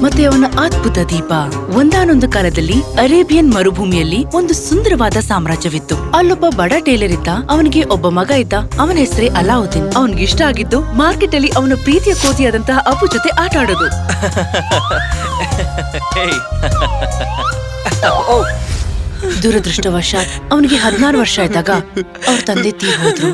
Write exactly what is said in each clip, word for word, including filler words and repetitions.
ಮತ್ತೆ ಅವನ ಅದ್ಭುತ ದೀಪ. ಒಂದಾನೊಂದು ಕಾಲದಲ್ಲಿ ಅರೇಬಿಯನ್ ಮರುಭೂಮಿಯಲ್ಲಿ ಒಂದು ಸುಂದರವಾದ ಸಾಮ್ರಾಜ್ಯವಿತ್ತು. ಅಲ್ಲೊಬ್ಬ ಬಡ ಟೇಲರ್ ಇದ್ದ. ಅವನಿಗೆ ಒಬ್ಬ ಮಗ ಇದ್ದ. ಅವನ ಹೆಸರೇ ಅಲಾವುದ್ದೀನ್. ಅವನ್ಗೆ ಇಷ್ಟ ಆಗಿದ್ದು ಮಾರ್ಕೆಟ್ ಅಲ್ಲಿ ಅವನ ಪ್ರೀತಿಯ ಕೋತಿಯಾದಂತಹ ಅಪ್ಪು ಜೊತೆ ಆಟ ಆಡೋದು. ದುರದೃಷ್ಟವಶಾತ್ ಅವನಿಗೆ ಹದಿನಾರು ವರ್ಷ ಇದ್ದಾಗ ಅವ್ರ ತಂದೆ ತೀರ್ ಹೋದ್ರು.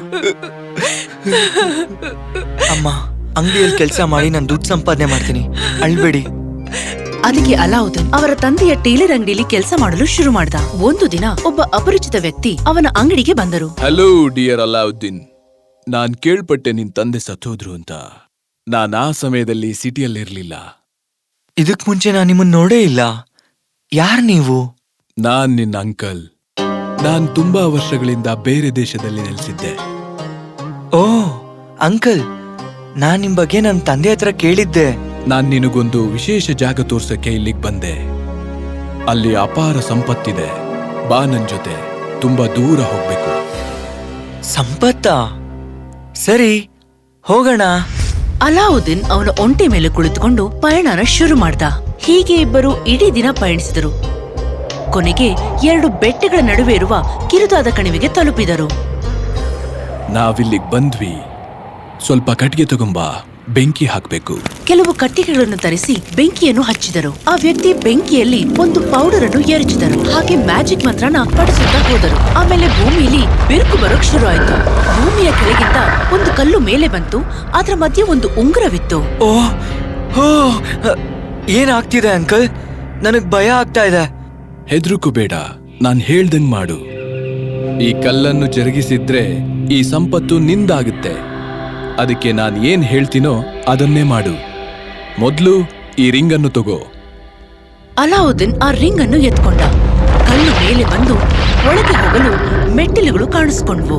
ಅಮ್ಮ, ಅಂಗಡಿಯಲ್ಲಿ ಕೆಲಸ ಮಾಡಿ ನಾನು ದುಡ್ಡು ಸಂಪಾದನೆ ಮಾಡ್ತೀನಿ, ಅಳ್ಬೇಡಿ. ಅದಕ್ಕೆ ಅಲಾವುದ್ದೀನ್ ಅವರ ತಂದೆಯ ಟೇಲರ್ ಅಂಗಡಿಯಲ್ಲಿ ಕೆಲಸ ಮಾಡಲು ಶುರು ಮಾಡ್ದ. ಒಂದು ದಿನ ಒಬ್ಬ ಅಪರಿಚಿತ ವ್ಯಕ್ತಿ ಅವನ ಅಂಗಡಿಗೆ ಬಂದರು. ಹಲೋ ಡಿಯರ್ ಅಲಾವುದ್ದೀನ್, ನಾನ್ ಕೇಳ್ಪಟ್ಟೆ ನಿನ್ ತಂದೆ ಸತ್ತೋದ್ರು ಅಂತ. ನಾನ್ ಆ ಸಮಯದಲ್ಲಿ ಸಿಟಿಯಲ್ಲಿರ್ಲಿಲ್ಲ. ಇದಕ್ ಮುಂಚೆ ನಾನು ನಿಮ್ಮನ್ನ ನೋಡೇ ಇಲ್ಲ. ಯಾರ್ ನೀವು? ನಾನ್ ನಿನ್ನ ಅಂಕಲ್. ನಾನ್ ತುಂಬಾ ವರ್ಷಗಳಿಂದ ಬೇರೆ ದೇಶದಲ್ಲಿ ನೆಲೆಸಿದ್ದೆ. ಓ ಅಂಕಲ್, ನಾನ್ ನಿಮ್ ಬಗ್ಗೆ ನನ್ನ ತಂದೆ ಹತ್ರ ಕೇಳಿದ್ದೆ. ನಾನ್ ನಿನಗೊಂದು ವಿಶೇಷ ಜಾಗ ತೋರ್ಸಕ್ಕೆ ಇಲ್ಲಿಗ್ ಬಂದೆ. ಅಲ್ಲಿ ಅಪಾರ ಸಂಪತ್ತಿದೆ. ಬಾ ನನ್ ಜೊತೆ, ತುಂಬಾ ದೂರ ಹೋಗ್ಬೇಕು. ಸಂಪತ್ತಾ? ಸರಿ, ಹೋಗೋಣ. ಅಲಾವುದ್ದೀನ್ ಅವನ ಒಂಟೆ ಮೇಲೆ ಕುಳಿತುಕೊಂಡು ಪಯಣನ ಶುರು ಮಾಡ್ದ. ಹೀಗೆ ಇಬ್ಬರು ಇಡೀ ದಿನ ಪಯಣಿಸಿದರು. ಕೊನೆಗೆ ಎರಡು ಬೆಟ್ಟಗಳ ನಡುವೆ ಇರುವ ಕಿರುದಾದ ಕಣಿವೆಗೆ ತಲುಪಿದರು. ನಾವಿಲ್ಲಿಗ್ ಬಂದ್ವಿ. ಸ್ವಲ್ಪ ಕಟ್ಟಿಗೆ ತಗೊಂಬಾ, ಬೆಂಕಿ ಹಾಕ್ಬೇಕು. ಕೆಲವು ಕಟ್ಟಿಗೆಗಳನ್ನು ತರಿಸಿ ಬೆಂಕಿಯನ್ನು ಹಚ್ಚಿದರು. ಆ ವ್ಯಕ್ತಿ ಬೆಂಕಿಯಲ್ಲಿ ಒಂದು ಪೌಡರ್ ಅನ್ನು ಎರಚಿದರು. ಹಾಗೆ ಮ್ಯಾಜಿಕ್ ಮಂತ್ರನ ಪಡಿಸುತ್ತಾ ಹೋದರು. ಆಮೇಲೆ ಭೂಮಿಯಲ್ಲಿ ಬಿರುಕು ಬರೋಕ್ ಶುರು ಆಯ್ತು. ಭೂಮಿಯ ಕೆಳಗಿಂದ ಒಂದು ಕಲ್ಲು ಮೇಲೆ ಬಂತು. ಅದರ ಮಧ್ಯೆ ಒಂದು ಉಂಗುರವಿತ್ತು. ಓ ಹೋ, ಏನಾಗ್ತಿದೆ ಅಂಕಲ್? ನನಗ್ ಭಯ ಆಗ್ತಾ ಇದೆ. ಹೆದ್ರುಕು ಬೇಡ, ನಾನ್ ಹೇಳ್ದಂಗ್ ಮಾಡು. ಈ ಕಲ್ಲನ್ನು ಜರುಗಿಸಿದ್ರೆ ಈ ಸಂಪತ್ತು ನಿಂದಾಗುತ್ತೆ. ಅದಕ್ಕೆ ನಾನ್ ಏನ್ ಹೇಳ್ತೀನೋ ಅದನ್ನೇ ಮಾಡು. ಮೊದ್ಲು ಈ ರಿಂಗನ್ನು ತಗೋ. ಅಲಾವುದ್ದೀನ್ ಆ ರಿಂಗ್ ಅನ್ನು ಎತ್ಕೊಂಡ. ಕಲ್ಲು ಮೇಲೆ ಬಂದು ಒಳಗೆ ಹೋಗಲು ಮೆಟ್ಟಿಲುಗಳು ಕಾಣಿಸ್ಕೊಂಡ್ವು.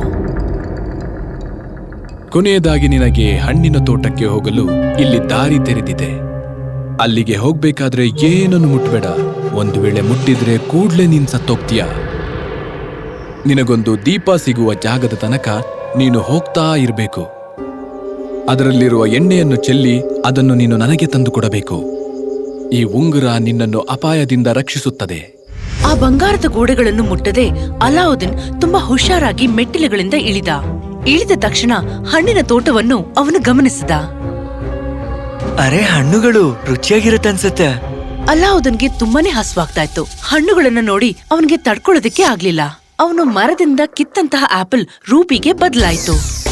ಕೊನೆಯದಾಗಿ ನಿನಗೆ ಹಣ್ಣಿನ ತೋಟಕ್ಕೆ ಹೋಗಲು ಇಲ್ಲಿ ದಾರಿ ತೆರೆದಿದೆ. ಅಲ್ಲಿಗೆ ಹೋಗ್ಬೇಕಾದ್ರೆ ಏನನ್ನು ಮುಟ್ಬೇಡ. ಒಂದು ವೇಳೆ ಮುಟ್ಟಿದ್ರೆ ಕೂಡ್ಲೆ ನೀನ್ ಸತ್ತೋಗ್ತೀಯ. ನಿನಗೊಂದು ದೀಪ ಸಿಗುವ ಜಾಗದ ತನಕ ನೀನು ಹೋಗ್ತಾ ಇರಬೇಕು. ಅದರಲ್ಲಿರುವ ಎಣ್ಣೆಯನ್ನು ಚೆಲ್ಲಿ ಅದನ್ನು ನೀನು ನನಗೆ ತಂದು ಕೊಡಬೇಕು. ಈ ಉಂಗುರ ನಿನ್ನನ್ನು ಅಪಾಯದಿಂದ ರಕ್ಷಿಸುತ್ತದೆ. ಆ ಬಂಗಾರದ ಗೋಡೆಗಳನ್ನು ಮುಟ್ಟದೆ ಅಲಾವುದ್ದೀನ್ ತುಂಬಾ ಹುಷಾರಾಗಿ ಮೆಟ್ಟಿಲುಗಳಿಂದ ಇಳಿದ. ಇಳಿದ ತಕ್ಷಣ ಹಣ್ಣಿನ ತೋಟವನ್ನು ಅವನು ಗಮನಿಸಿದ. ಅರೆ, ಹಣ್ಣುಗಳು ರುಚಿಯಾಗಿರುತ್ತನ್ಸುತ್ತೆ. ಅಲಾವುದ್ದೀನ್ಗೆ ತುಂಬಾನೇ ಹಸುವಾಗ್ತಾ ಇತ್ತು. ಹಣ್ಣುಗಳನ್ನ ನೋಡಿ ಅವನಿಗೆ ತಡ್ಕೊಳ್ಳೋದಕ್ಕೆ ಆಗ್ಲಿಲ್ಲ. ಅವನು ಮರದಿಂದ ಕಿತ್ತಂತಹ ಆಪಲ್ ರೂಬಿಗೆ ಬದಲಾಯಿತು.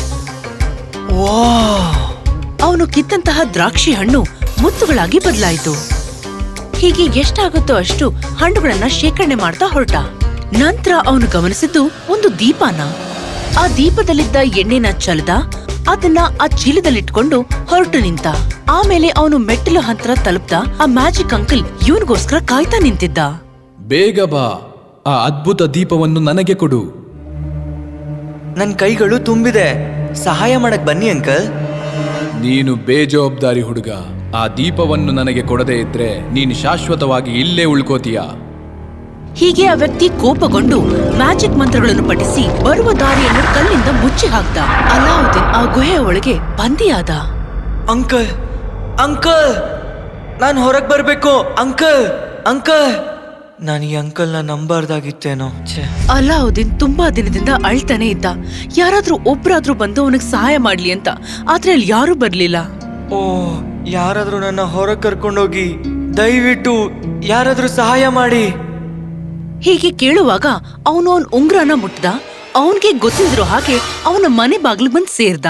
ಅವನು ಕಿತ್ತಂತಹ ದ್ರಾಕ್ಷಿ ಹಣ್ಣು ಮುತ್ತುಗಳಾಗಿ ಬದಲಾಯಿತು. ಹೀಗೆ ಎಷ್ಟಾಗುತ್ತೋ ಅಷ್ಟು ಹಣ್ಣುಗಳನ್ನ ಶೇಖರಣೆ ಮಾಡ್ತಾ ಹೊರಟ. ನಂತರ ಅವನು ಗಮನಿಸಿದ್ದು ಒಂದು ದೀಪನ. ಆ ದೀಪದಲ್ಲಿದ್ದ ಎಣ್ಣೆನ ಚಲ್ದ. ಅದನ್ನ ಆ ಚೀಲದಲ್ಲಿಟ್ಕೊಂಡು ಹೊರಟು ನಿಂತ. ಆಮೇಲೆ ಅವನು ಮೆಟ್ಟಿಲು ಹಂತರ ತಲುಪ್ದ. ಆ ಮ್ಯಾಜಿಕ್ ಅಂಕಲ್ ಇವನ್ಗೋಸ್ಕರ ಕಾಯ್ತಾ ನಿಂತಿದ್ದ. ಬೇಗ ಬಾ, ಆ ಅದ್ಭುತ ದೀಪವನ್ನು ನನಗೆ ಕೊಡು. ನನ್ ಕೈಗಳು ತುಂಬಿದೆ, ಸಹಾಯ ಮಾಡಕ್ ಬನ್ನಿ ಅಂಕಲ್. ನೀನು ಬೇಜವಾಬ್ದಾರಿ ಹುಡುಗ. ಆ ದೀಪವನ್ನು ನನಗೆ ಕೊಡದೇ ಇದ್ರೆ ನೀನು ಶಾಶ್ವತವಾಗಿ ಇಲ್ಲೇ ಉಳ್ಕೋತೀಯ. ಹೀಗೆ ಆ ವ್ಯಕ್ತಿ ಕೋಪಗೊಂಡು ಮ್ಯಾಜಿಕ್ ಮಂತ್ರಗಳನ್ನು ಪಠಿಸಿ ಬರುವ ದಾರಿಯನ್ನು ಕಲ್ಲಿಂದ ಮುಚ್ಚಿ ಹಾಕ್ದ. ಅಲಾವುದ್ದೀನ್ ಆ ಗುಹೆಯ ಒಳಗೆ ಬಂದಿಯಾದ. ಅಂಕಲ್, ಅಂಕಲ್, ನಾನ್ ಹೊರಗ್ ಬರ್ಬೇಕು. ಅಂಕಲ್, ಅಂಕಲ್, ನಾನು ಈ ಅಂಕಲ್ನ ನಂಬಾರ್ದಾಗಿತ್ತೇನೋ. ಅಲಾವುದ್ದೀನ್ ತುಂಬಾ ದಿನದಿಂದ ಅಳ್ತಾನೆ ಇದ್ದ. ಯಾರಾದ್ರೂ ಒಬ್ರಾದ್ರೂ ಬಂದು ಅವನಿಗೆ ಸಹಾಯ ಮಾಡ್ಲಿ ಅಂತ. ಆದ್ರೆ ಅಲ್ಲಿ ಯಾರೂ ಬರ್ಲಿಲ್ಲ. ಓ, ಯಾರಾದ್ರೂ ನನ್ನ ಹೊರಗ್ ಕರ್ಕೊಂಡೋಗಿ, ದಯವಿಟ್ಟು ಯಾರಾದ್ರೂ ಸಹಾಯ ಮಾಡಿ. ಹೀಗೆ ಕೇಳುವಾಗ ಅವನು ಅವನ್ ಉಂಗ್ರನ ಮುಟ್ದ. ಅವನ್ಗೆ ಗೊತ್ತಿದ್ರು ಹಾಗೆ ಅವನ ಮನೆ ಬಾಗ್ಲು ಬಂದ್ ಸೇರ್ದ.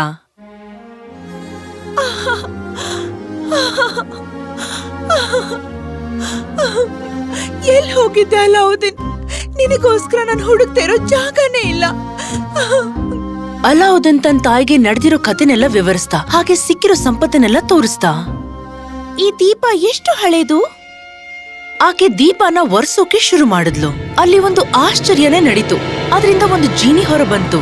ಎಲ್ ಹೋಗಿದ್ದೆ ಅಲಾವುದ್ದೀನ್? ನಿನಗೋಸ್ಕರ ನಾನು ಹುಡುಕ್ತಾ ಇರೋ ಜಾಗನೇ ಇಲ್ಲ. ಅಲಾವುದ್ದೀನ್ ತನ್ನ ತಾಯಿಗೆ ನಡೆದಿರೋ ಕಥೆನೆಲ್ಲ ವಿವರಿಸ್ತಾ, ಹಾಗೆ ಸಿಕ್ಕಿರೋ ಸಂಪತ್ತನ್ನೆಲ್ಲ ತೋರಿಸ್ತಾ. ಈ ದೀಪ ಎಷ್ಟು ಹಳೇದು? ಆಕೆ ದೀಪನ ಒರೆಸೋಕೆ ಶುರು ಮಾಡಿದ್ಲು. ಅಲ್ಲಿ ಒಂದು ಆಶ್ಚರ್ಯನೇ ನಡೀತು. ಅದರಿಂದ ಒಂದು ಜೀನಿ ಹೊರ ಬಂತು.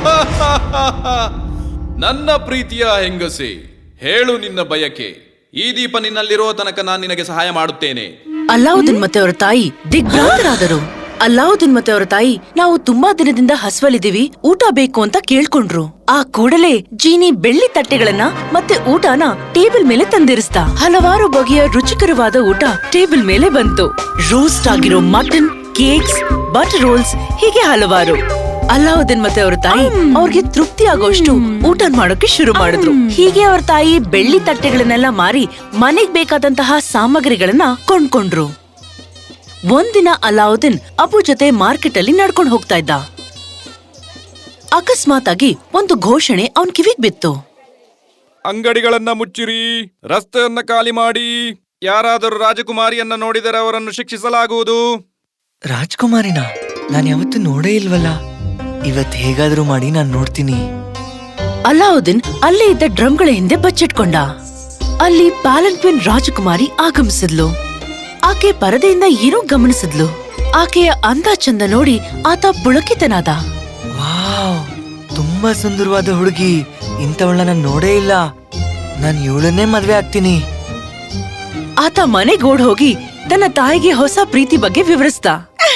ನನ್ನ ಪ್ರೀತಿಯ ಹೆಂಗಸೆ, ಹೇಳು ನಿನ್ನ ಬಯಕೆ. ಈ ದೀಪ ನಿನ್ನಲ್ಲಿರೋ ತನಕ ನಾನು ನಿನಗೆ ಸಹಾಯ ಮಾಡುತ್ತೇನೆ. ಅಲಾವುದ್ದೀನ್ ಮತ್ತೆ ಅವರ ತಾಯಿ ದಿಗ್ಭ್ರಾಂತರಾದರು. ಅಲ್ಲಾವುದ್ದೀನ್ ಮತ್ತೆ ಅವರ ತಾಯಿ ನಾವು ತುಂಬಾ ದಿನದಿಂದ ಹಸ್ವಲಿದ್ದೀವಿ, ಊಟ ಬೇಕು ಅಂತ ಕೇಳ್ಕೊಂಡ್ರು. ಆ ಕೂಡಲೇ ಜೀನಿ ಬೆಳ್ಳಿ ತಟ್ಟೆಗಳನ್ನ ಮತ್ತೆ ಊಟನ ಟೇಬಲ್ ಮೇಲೆ ತಂದಿರಿಸ್ತಾ ಹಲವಾರು ಬಗೆಯ ರುಚಿಕರವಾದ ಊಟ ಟೇಬಲ್ ಮೇಲೆ ಬಂತು. ರೋಸ್ಟ್ ಆಗಿರೋ ಮಟನ್, ಕೇಕ್ಸ್, ಬಟರ್ ರೋಲ್ಸ್, ಹೀಗೆ ಹಲವಾರು. ಅಲ್ಲಾವುದ್ದೀನ್ ಮತ್ತೆ ಅವರ ತಾಯಿ ಅವ್ರಿಗೆ ತೃಪ್ತಿ ಆಗೋಷ್ಟು ಊಟ ಮಾಡೋಕೆ ಶುರು ಮಾಡಿದ್ರು. ಹೀಗೆ ಅವ್ರ ತಾಯಿ ಬೆಳ್ಳಿ ತಟ್ಟೆಗಳನ್ನೆಲ್ಲ ಮಾರಿ ಮನೆಗ್ ಬೇಕಾದಂತಹ ಸಾಮಗ್ರಿಗಳನ್ನ ಕೊಂಡ್ಕೊಂಡ್ರು. ಒಂದಿನ ಅಲ್ಲಾವುದ್ದೀನ್ ಅಬು ಜೊತೆ ಮಾರ್ಕೆಟ್ ಅಲ್ಲಿ ನಡ್ಕೊಂಡು ಹೋಗ್ತಾ ಇದ್ದ. ಅಕಸ್ಮಾತ್ ಆಗಿ ಒಂದು ಘೋಷಣೆ ಅವನ್ ಕಿವಿಗ್ ಬಿತ್ತು. ಅಂಗಡಿಗಳನ್ನ ಮುಚ್ಚಿರಿ, ರಸ್ತೆಯನ್ನ ಖಾಲಿ ಮಾಡಿ, ಯಾರಾದರೂ ರಾಜಕುಮಾರಿಯನ್ನ ನೋಡಿದರೆ ಅವರನ್ನು ಶಿಕ್ಷಿಸಲಾಗುವುದು. ರಾಜ್ಕುಮಾರಿನ ನಾನ್ ಯಾವತ್ತೂ ನೋಡೇ ಇಲ್ವಲ್ಲ. ಇವತ್ ಹೇಗಾದ್ರೂ ಮಾಡಿ ನಾನ್ ನೋಡ್ತೀನಿ. ಅಲ್ಲಾವುದ್ದೀನ್ ಅಲ್ಲೇ ಇದ್ದ ಡ್ರಮ್ಗಳ ಹಿಂದೆ ಬಚ್ಚಿಟ್ಕೊಂಡ. ಅಲ್ಲಿ ಪ್ಯಾಲನ್ಕ್ವಿನ್ ರಾಜಕುಮಾರಿ ಆಗಮಿಸಿದ್ಲು. ಆಕೆ ಪರದೆಯಿಂದ ಏನೋ ಗಮನಿಸಿದ್ಲು. ಆಕೆಯ ಅಂದ ಚಂದ ನೋಡಿ ಆತ ಪುಳಕಿತನಾದ. ವಾವ್, ತುಂಬಾ ಸುಂದರವಾದ ಹುಡುಗಿ. ಇಂಥವಳನ್ನ ನಾನ್ ನೋಡೇ ಇಲ್ಲ. ನಾನ್ ಇವಳನ್ನೇ ಮದ್ವೆ ಆಗ್ತೀನಿ. ಆತ ಮನೆಗೋಡ್ ಹೋಗಿ ತನ್ನ ತಾಯಿಗೆ ಹೊಸ ಪ್ರೀತಿ ಬಗ್ಗೆ ವಿವರಿಸ್ದ.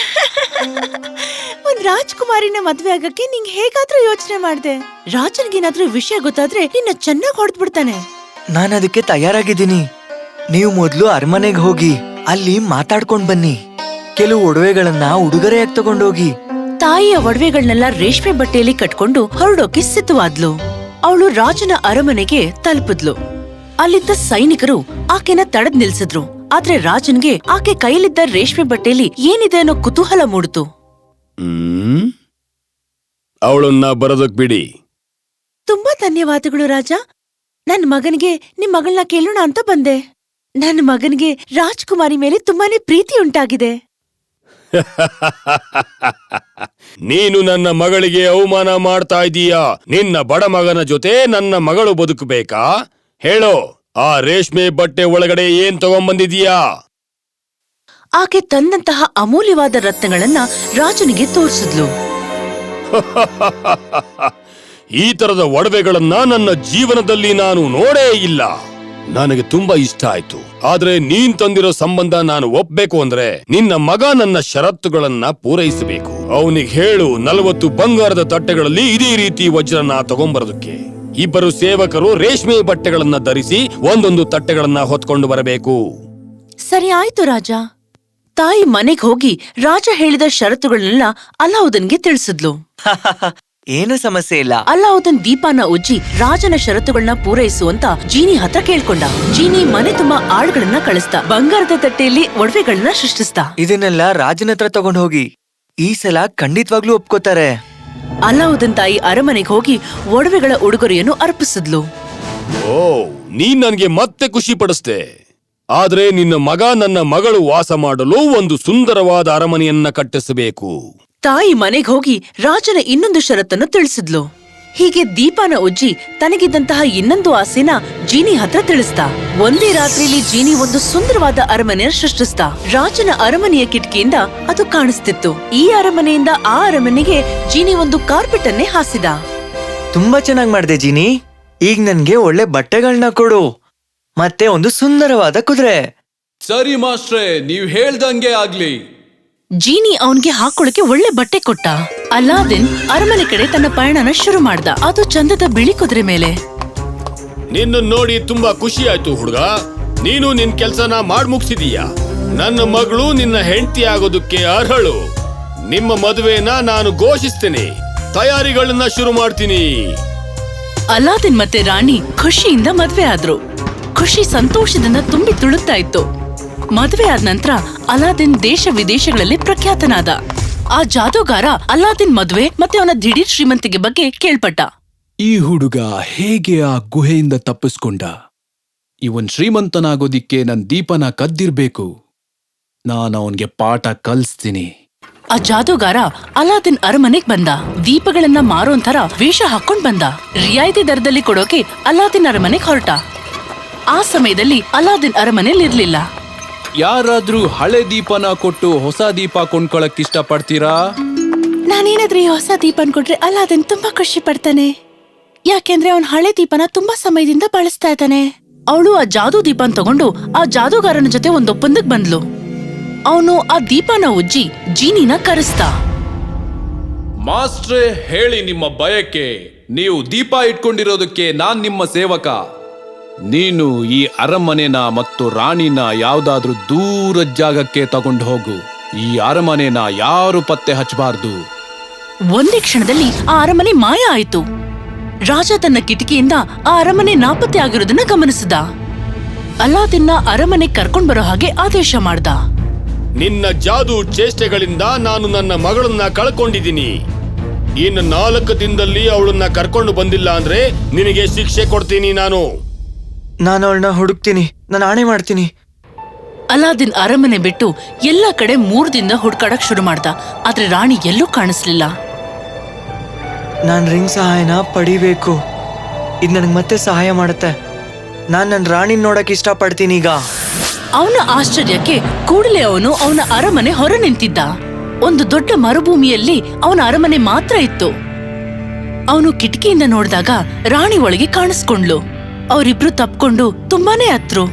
ಒಂದ್ ರಾಜ್ಕುಮಾರಿನ ಮದ್ವೆ ಆಗಕ್ಕೆ ನಿಂಗ್ ಹೇಗಾದ್ರೂ ಯೋಚನೆ ಮಾಡ್ದೆ. ರಾಜನ್ಗೇನಾದ್ರೂ ವಿಷಯ ಗೊತ್ತಾದ್ರೆ ನಿನ್ನ ಚೆನ್ನಾಗ್ ಹೊಡೆದ್ಬಿಡ್ತಾನೆ. ನಾನು ಅದಕ್ಕೆ ತಯಾರಾಗಿದ್ದೀನಿ. ನೀವು ಮೊದ್ಲು ಅರಮನೆಗೆ ಹೋಗಿ ಅಲ್ಲಿ ಮಾತಾಡ್ಕೊಂಡ್ ಬನ್ನಿ. ಕೆಲವು ಒಡವೆಗಳನ್ನ ಉಡುಗೊರೆಯಾಗಿ ತಗೊಂಡೋಗಿ. ತಾಯಿಯ ಒಡವೆಗಳನ್ನೆಲ್ಲ ರೇಷ್ಮೆ ಬಟ್ಟೆಯಲ್ಲಿ ಕಟ್ಕೊಂಡು ಹೊರಡೋಕೆ ಸಿದ್ಧವಾದ್ಲು. ಅವಳು ರಾಜನ ಅರಮನೆಗೆ ತಲುಪಿದ್ಲು. ಅಲ್ಲಿದ್ದ ಸೈನಿಕರು ಆಕೆನ ತಡೆದ್ ನಿಲ್ಸಿದ್ರು. ಆದ್ರೆ ರಾಜನ್ಗೆ ಆಕೆ ಕೈಲಿದ್ದ ರೇಷ್ಮೆ ಬಟ್ಟೆಯಲ್ಲಿ ಏನಿದೆ ಅನ್ನೋ ಕುತೂಹಲ ಮೂಡಿತು. ಹ್ಮ್ ಅವಳನ್ನ ಬರೋದಕ್ ಬಿಡಿ. ತುಂಬಾ ಧನ್ಯವಾದಗಳು ರಾಜ. ನನ್ ಮಗನಿಗೆ ನಿಮ್ ಮಗಳನ್ನ ಕೇಳೋಣ ಅಂತ ಬಂದೆ. ನನ್ನ ಮಗನಿಗೆ ರಾಜ್ಕುಮಾರಿ ಮೇಲೆ ತುಂಬಾನೇ ಪ್ರೀತಿ ಉಂಟಾಗಿದೆ. ನೀನು ನನ್ನ ಮಗಳಿಗೆ ಅವಮಾನ ಮಾಡ್ತಾ ಇದೀಯಾ. ನಿನ್ನ ಬಡ ಮಗನ ಜೊತೆ ನನ್ನ ಮಗಳು ಬದುಕಬೇಕಾ? ಹೇಳೋ, ಆ ರೇಷ್ಮೆ ಬಟ್ಟೆ ಒಳಗಡೆ ಏನ್ ತಗೊಂಬಂದಿದೀಯಾ? ಆಕೆ ತಂದಂತಹ ಅಮೂಲ್ಯವಾದ ರತ್ನಗಳನ್ನ ರಾಜನಿಗೆ ತೋರಿಸಿದ್ಲು. ಈ ತರದ ಒಡವೆಗಳನ್ನ ನನ್ನ ಜೀವನದಲ್ಲಿ ನಾನು ನೋಡೇ ಇಲ್ಲ. ನನಗೆ ತುಂಬಾ ಇಷ್ಟ ಆಯ್ತು. ಆದ್ರೆ ನೀನ್ ತಂದಿರೋ ಸಂಬಂಧ ನಾನು ಒಪ್ಬೇಕು ಅಂದ್ರೆ ನಿನ್ನ ಮಗ ನನ್ನ ಷರತ್ತುಗಳನ್ನ ಪೂರೈಸಬೇಕು. ಅವನಿಗೆ ಹೇಳು, ನಲವತ್ತು ಬಂಗಾರದ ತಟ್ಟೆಗಳಲ್ಲಿ ಇದೇ ರೀತಿ ವಜ್ರನ ತಗೊಂಬರೋದಕ್ಕೆ. ಇಬ್ಬರು ಸೇವಕರು ರೇಷ್ಮೆ ಬಟ್ಟೆಗಳನ್ನ ಧರಿಸಿ ಒಂದೊಂದು ತಟ್ಟೆಗಳನ್ನ ಹೊತ್ಕೊಂಡು ಬರಬೇಕು. ಸರಿ ಆಯ್ತು ರಾಜ. ತಾಯಿ ಮನೆಗ್ ಹೋಗಿ ರಾಜ ಹೇಳಿದ ಷರತ್ತುಗಳನ್ನೆಲ್ಲ ಅಲ್ಲಾವುದ್ದೀನ್ಗೆ ತಿಳಿಸಿದ್ಲು. ಏನು ಸಮಸ್ಯೆ ಇಲ್ಲ. ಅಲ್ಲಾವುದ್ದೀನ್ ದೀಪಾನ ಉಜ್ಜಿ ರಾಜನ ಷರತ್ತುಗಳನ್ನ ಪೂರೈಸುವಂತ ಜೀನಿ ಹತ್ರ ಕೇಳ್ಕೊಂಡ. ಜೀನಿ ಮನೆ ತುಂಬಾ ಆಳ್ಗಳನ್ನ ಕಳಿಸ್ತಾ ಬಂಗಾರದ ತಟ್ಟೆಯಲ್ಲಿ ಒಡವೆಗಳನ್ನ ಸೃಷ್ಟಿಸ್ತಾ. ಇದನ್ನೆಲ್ಲ ರಾಜನ ಹತ್ರ ತಗೊಂಡ್ ಹೋಗಿ. ಈ ಸಲ ಖಂಡಿತವಾಗ್ಲೂ ಒಪ್ಕೋತಾರೆ. ಅಲ್ಲಾವುದ್ದೀನ್ ತಾಯಿ ಅರಮನೆಗೆ ಹೋಗಿ ಒಡವೆಗಳ ಉಡುಗೊರೆಯನ್ನು ಅರ್ಪಿಸಿದ್ಲು. ಓ, ನೀನ್ ನನ್ಗೆ ಮತ್ತೆ ಖುಷಿ ಪಡಿಸ್ದೆ. ಆದ್ರೆ ನಿನ್ನ ಮಗ ನನ್ನ ಮಗಳು ವಾಸ ಮಾಡಲು ಒಂದು ಸುಂದರವಾದ ಅರಮನೆಯನ್ನ ಕಟ್ಟಿಸಬೇಕು. ತಾಯಿ ಮನೆಗ್ ಹೋಗಿ ರಾಜನ ಇನ್ನೊಂದು ಷರತ್ತನ್ನು ತಿಳಿಸಿದ್ಲು. ಹೀಗೆ ದೀಪಾನ ಉಜ್ಜಿ ತನಗಿದ್ದಂತಹ ಇನ್ನೊಂದು ಆಸೆನ ಜೀನಿ ಹತ್ರ ತಿಳಿಸ್ತಾ. ಒಂದೇ ರಾತ್ರಿಯಲ್ಲಿ ಜೀನಿ ಒಂದು ಸುಂದರವಾದ ಅರಮನೆಯ ಸೃಷ್ಟಿಸ್ತಾ. ರಾಜನ ಅರಮನೆಯ ಕಿಟಕಿಯಿಂದ ಅದು ಕಾಣಿಸ್ತಿತ್ತು. ಈ ಅರಮನೆಯಿಂದ ಆ ಅರಮನೆಗೆ ಜೀನಿ ಒಂದು ಕಾರ್ಪೆಟ್ ಅನ್ನೇ ಹಾಸಿದ. ತುಂಬಾ ಚೆನ್ನಾಗ್ ಮಾಡ್ದೆ ಜೀನಿ. ಈಗ ನನ್ಗೆ ಒಳ್ಳೆ ಬಟ್ಟೆಗಳನ್ನ ಕೊಡು, ಮತ್ತೆ ಒಂದು ಸುಂದರವಾದ ಕುದುರೆ. ಸರಿ ಮಾಸ್ಟ್ರೇ, ನೀವ್ ಹೇಳ್ದಂಗೆ ಆಗ್ಲಿ. ಜೀನಿ ಅವನ್ಗೆ ಹಾಕೊಳ್ಳಕ್ಕೆ ಒಳ್ಳೆ ಬಟ್ಟೆ ಕೊಟ್ಟ. ಅಲ್ಲಾವುದ್ದೀನ್ ಅರಮನೆ ಕಡೆ ತನ್ನ ಪಯಣನ ಶುರು ಮಾಡ್ದ. ಅದು ಚಂದದ ಬಿಳಿ ಕುದುರೆ ಮೇಲೆ. ನಿನ್ನ ನೋಡಿ ತುಂಬಾ ಖುಷಿ ಆಯ್ತು ಹುಡುಗ. ನೀನು ನಿನ್ ಕೆಲ್ಸನ ಮಾಡ್ ಮುಗಿಸಿದೀಯ. ನನ್ನ ಮಗಳು ನಿನ್ನ ಹೆಂಡತಿ ಆಗೋದಕ್ಕೆ ಅರ್ಹಳು. ನಿಮ್ಮ ಮದುವೆನ ನಾನು ಘೋಷಿಸ್ತೇನೆ. ತಯಾರಿಗಳನ್ನ ಶುರು ಮಾಡ್ತೀನಿ. ಅಲ್ಲಾವುದ್ದೀನ್ ಮತ್ತೆ ರಾಣಿ ಖುಷಿಯಿಂದ ಮದ್ವೆ ಆದ್ರು. ಖುಷಿ ಸಂತೋಷದಿಂದ ತುಂಬಿ ತುಳುಕ್ತಾ ಇತ್ತು. ಮದುವೆ ಆದ ನಂತರ ಅಲ್ಲಾವುದ್ದೀನ್ ದೇಶ ವಿದೇಶಗಳಲ್ಲಿ ಪ್ರಖ್ಯಾತನಾದ. ಆ ಜಾದೂಗಾರ ಅಲ್ಲಾವುದ್ದೀನ್ ಮದುವೆ ಮತ್ತೆ ಅವನ ದಿಢೀರ್ ಶ್ರೀಮಂತಿಗೆ ಬಗ್ಗೆ ಕೇಳ್ಪಟ್ಟ. ಈ ಹುಡುಗ ಹೇಗೆ ಆ ಗುಹೆಯಿಂದ ತಪ್ಪಿಸ್ಕೊಂಡ? ಇವನ್ ಶ್ರೀಮಂತನಾಗೋದಿಕ್ಕೆ ನನ್ ದೀಪನ ಕದ್ದಿರ್ಬೇಕು. ನಾನು ಅವನ್ಗೆ ಪಾಠ ಕಲಿಸ್ತೀನಿ. ಆ ಜಾದೂಗಾರ ಅಲ್ಲಾವುದ್ದೀನ್ ಅರಮನೆಗ್ ಬಂದ. ದೀಪಗಳನ್ನ ಮಾರೋಂಥರ ವೇಷ ಹಾಕೊಂಡ್ ಬಂದ. ರಿಯಾಯಿತಿ ದರದಲ್ಲಿ ಕೊಡೋಕೆ ಅಲ್ಲಾವುದ್ದೀನ್ ಅರಮನೆಗ್ ಹೊರಟ. ಆ ಸಮಯದಲ್ಲಿ ಅಲ್ಲಾವುದ್ದೀನ್ ಅರಮನೆಯಲ್ಲಿರ್ಲಿಲ್ಲ. ಯಾರಾದ್ರೂ ಹಳೆ ದೀಪನ ಕೊಟ್ಟು ಹೊಸ ದೀಪ ಕೊಂಡ್ಕೊಳಕ್ ಇಷ್ಟ ಪಡ್ತೀರಾ? ನಾನೇನಾದ್ರೂ ಈ ಹೊಸ ದೀಪನ್ ಕೊಟ್ರೆ ಅಲ್ಲಾವುದ್ದೀನ್ ತುಂಬಾ ಖುಷಿ ಪಡ್ತಾನೆ. ಯಾಕೆಂದ್ರೆ ಅವನ್ ಹಳೆ ದೀಪನ ತುಂಬಾ ಸಮಯದಿಂದ ಬಳಸ್ತಾ ಇದ್ದಾನೆ. ಅವಳು ಆ ಜಾದೂ ದೀಪನ್ ತಗೊಂಡು ಆ ಜಾದೂಗಾರನ ಜೊತೆ ಒಂದ್ ಒಪ್ಪಂದಕ್ ಬಂದ್ಲು. ಅವನು ಆ ದೀಪನ ಉಜ್ಜಿ ಜೀನಿನ ಕರೆಸ್ದ. ಮಾಸ್ಟ್ರೇ, ಹೇಳಿ ನಿಮ್ಮ ಬಯಕೆ. ನೀವು ದೀಪ ಇಟ್ಕೊಂಡಿರೋದಕ್ಕೆ ನಾನ್ ನಿಮ್ಮ ಸೇವಕ. ನೀನು ಈ ಅರಮನೆನ ಮತ್ತು ರಾಣಿನ ಯಾವ್ದಾದ್ರೂ ದೂರ ಜಾಗಕ್ಕೆ ತಗೊಂಡು ಹೋಗು. ಈ ಅರಮನೆನ ಯಾರು ಪತ್ತೆ ಹಚ್ಚಬಾರ್ದು. ಒಂದೇ ಕ್ಷಣದಲ್ಲಿ ಆ ಅರಮನೆ ಮಾಯ ಆಯ್ತು. ರಾಜ ತನ್ನ ಕಿಟಕಿಯಿಂದ ಆ ಅರಮನೆ ನಾಪತ್ತೆ ಆಗಿರೋದನ್ನ ಗಮನಿಸಿದ. ಅಲಾದಿನ್ನ ಅರಮನೆ ಕರ್ಕೊಂಡ್ ಬರೋ ಹಾಗೆ ಆದೇಶ ಮಾಡ್ದ. ನಿನ್ನ ಜಾದೂ ಚೇಷ್ಟೆಗಳಿಂದ ನಾನು ನನ್ನ ಮಗಳನ್ನ ಕಳ್ಕೊಂಡಿದ್ದೀನಿ. ಇನ್ನು ನಾಲ್ಕು ದಿನದಲ್ಲಿ ಅವಳನ್ನ ಕರ್ಕೊಂಡು ಬಂದಿಲ್ಲ ಅಂದ್ರೆ ನಿನಗೆ ಶಿಕ್ಷೆ ಕೊಡ್ತೀನಿ ನಾನು. ನಾನು ಅವಳನ್ನ ಹುಡುಕ್ತೀನಿ, ನಾನು ಆಣೆ ಮಾಡ್ತೀನಿ. ಅಲಾದಿನ್ ಅರಮನೆ ಬಿಟ್ಟು ಎಲ್ಲಾ ಕಡೆ ಮೂರ್ ದಿನ ಹುಡ್ಕಾಡಕ್ ಶುರು ಮಾಡ್ದ. ಆದ್ರೆ ರಾಣಿ ಎಲ್ಲೂ ಕಾಣಿಸ್ಲಿಲ್ಲ. ನಾನ್ ರಿಂಗ್ ಸಹಾಯನ ಪಡಿಬೇಕು. ಇದು ನನಗೆ ಮತ್ತೆ ಸಹಾಯ ಮಾಡುತ್ತೆ. ನಾನ್ ನನ್ನ ರಾಣಿನ ನೋಡಕ್ ಇಷ್ಟಪಡ್ತೀನಿ ಈಗ. ಅವನ ಆಶ್ಚರ್ಯಕ್ಕೆ ಕೂಡಲೇ ಅವನು ಅವನ ಅರಮನೆ ಹೊರ ನಿಂತಿದ್ದ. ಒಂದು ದೊಡ್ಡ ಮರುಭೂಮಿಯಲ್ಲಿ ಅವನ ಅರಮನೆ ಮಾತ್ರ ಇತ್ತು. ಅವನು ಕಿಟಕಿಯಿಂದ ನೋಡಿದಾಗ ರಾಣಿ ಒಳಗೆ ಕಾಣಿಸ್ಕೊಂಡ್ಲು. ಅವರಿಬ್ರು ತಪ್ಕೊಂಡು ತುಂಬಾನೇ ಹತ್ರು.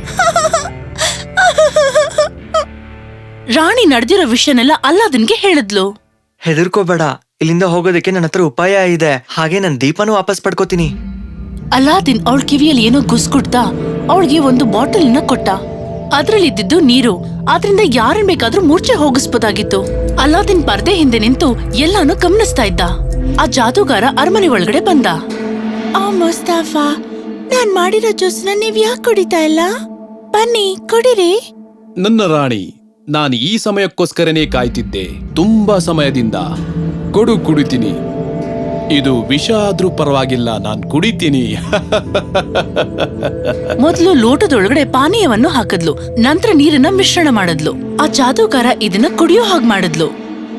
ರಾಣಿ ನಡೆದಿರೋ ವಿಷಯನೆಲ್ಲ ಅಲಾದಿನ್ಗೆ ಹೇಳಿದ್ಲು. ಹೆದರ್ಕೋಬೇಡ, ಇಲ್ಲಿಂದ ಹೋಗೋದಕ್ಕೆ ನನ್ನ ಹತ್ರ ಉಪಾಯ ಇದೆ. ಹಾಗೆ ನನ್ನ ದೀಪನೂ ವಾಪಸ್ ಪಡ್ಕೋತೀನಿ. ಅಲಾದಿನ್ ಅವಳ ಕಿವಿಯಲ್ಲಿ ಏನೋ ಗುಸ್ಗುಡ್ತಾ ಅವಳಿಗೆ ಒಂದು ಬಾಟಲಿನ ಕೊಟ್ಟ. ಅದ್ರಲ್ಲಿದ್ದು ನೀರು. ಆದ್ರಿಂದ ಯಾರನ್ ಬೇಕಾದ್ರೂ ಮೂರ್ಛೆ ಹೋಗಿಸ್ಬೋದಾಗಿತ್ತು. ಅಲಾದಿನ್ ಪರ್ದೆ ಹಿಂದೆ ನಿಂತು ಎಲ್ಲಾನು ಗಮನಿಸ್ತಾ ಇದ್ದ. ಆ ಜಾದೂಗಾರ ಅರಮನೆ ಒಳಗಡೆ ಬಂದ. ಆ ಮುಸ್ತಾಫಾ, ನಾನ್ ಮಾಡಿರೋ ಜ್ಯೂಸ್ನ ನೀವ್ ಯಾಕೆ ಕುಡಿತಾ ಇಲ್ಲ? ಬನ್ನಿ ಕುಡಿರಿ. ನನ್ನ ರಾಣಿ, ನಾನು ಈ ಸಮಯಕ್ಕೋಸ್ಕರನೇ ಕಾಯ್ತಿದ್ದೆ. ತುಂಬಾ ಸಮಯದಿಂದ. ಕೊಡು, ಕುಡಿತೀನಿ. ಇದು ವಿಷ ಆದ್ರೂ ಪರವಾಗಿಲ್ಲ, ನಾನ್ ಕುಡಿತೀನಿ. ಮೊದಲು ಲೋಟದೊಳಗಡೆ ಪಾನೀಯವನ್ನು ಹಾಕದ್ಲು. ನಂತರ ನೀರನ್ನ ಮಿಶ್ರಣ ಮಾಡದ್ಲು. ಆ ಜಾದೂಗಾರ ಇದನ್ನ ಕುಡಿಯೋ ಹಾಗೆ ಮಾಡಿದ್ಲು.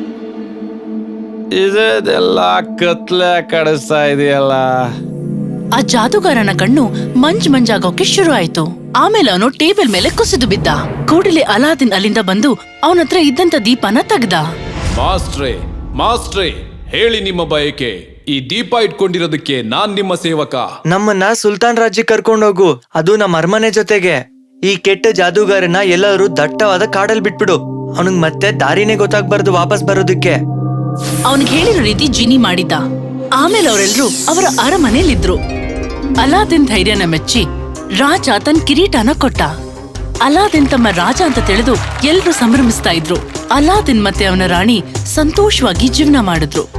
ಇದೆಲ್ಲ ಕತ್ಲೆ ಕಡಿಸ್ತಾ ಇದೆಯಲ್ಲ. ಆ ಜಾದೂಗಾರನ ಕಣ್ಣು ಮಂಜ್ ಮಂಜಾಗೋಕೆ ಶುರು ಆಯ್ತು. ಆಮೇಲೆ ಅವನು ಟೇಬಲ್ ಮೇಲೆ ಕುಸಿದು ಬಿದ್ದ. ಕೂಡಲೇ ಅಲಾದಿನ್ ಅಲ್ಲಿಂದ ಬಂದು ಅವನ ಹತ್ರ ಇದ್ದಂತ ದೀಪನ ತೆಗ್ದ. ಮಾಸ್ಟ್ರೇ, ಮಾಸ್ಟ್ರೇ, ಹೇಳಿ ನಿಮ್ಮ ಬಯಕೆ. ಈ ದೀಪ ಇಟ್ಕೊಂಡಿರೋದಕ್ಕೆ ನಾನ್ ನಿಮ್ಮ ಸೇವಕ. ನಮ್ಮನ್ನ ಸುಲ್ತಾನ್ ರಾಜ್ಯಕ್ಕೆ ಕರ್ಕೊಂಡೋಗು, ಅದು ನಮ್ಮ ಅರಮನೆ ಜೊತೆಗೆ. ಈ ಕೆಟ್ಟ ಜಾದೂಗಾರನ ಎಲ್ಲರೂ ದಟ್ಟವಾದ ಕಾಡಲ್ಲಿ ಬಿಟ್ಬಿಡು. ಅವನಿಗೆ ಮತ್ತೆ ದಾರಿನೇ ಗೊತ್ತಾಗ್ಬಾರ್ದು ವಾಪಸ್ ಬರೋದಕ್ಕೆ. ಅವನಿಗೆ ಹೇಳಿರೋ ರೀತಿ ಜಿನಿ ಮಾಡಿದ್ದ. ಆಮೇಲೆ ಅವರೆಲ್ಲರೂ ಅವರ ಅರಮನೆಯಲ್ಲಿದ್ರು. ಅಲಾದಿನ್ ಧೈರ್ಯನ ಮೆಚ್ಚಿ ರಾಜ ತನ್ನ ಕಿರೀಟನ ಕೊಟ್ಟ. ಅಲಾದಿನ್ ತಮ್ಮ ರಾಜ ಅಂತ ತಿಳಿದು ಎಲ್ರೂ ಸಂಭ್ರಮಿಸ್ತಾ ಇದ್ರು. ಅಲಾದಿನ್ ಮತ್ತೆ ಅವನ ರಾಣಿ ಸಂತೋಷವಾಗಿ ಜೀವನ ಮಾಡಿದ್ರು.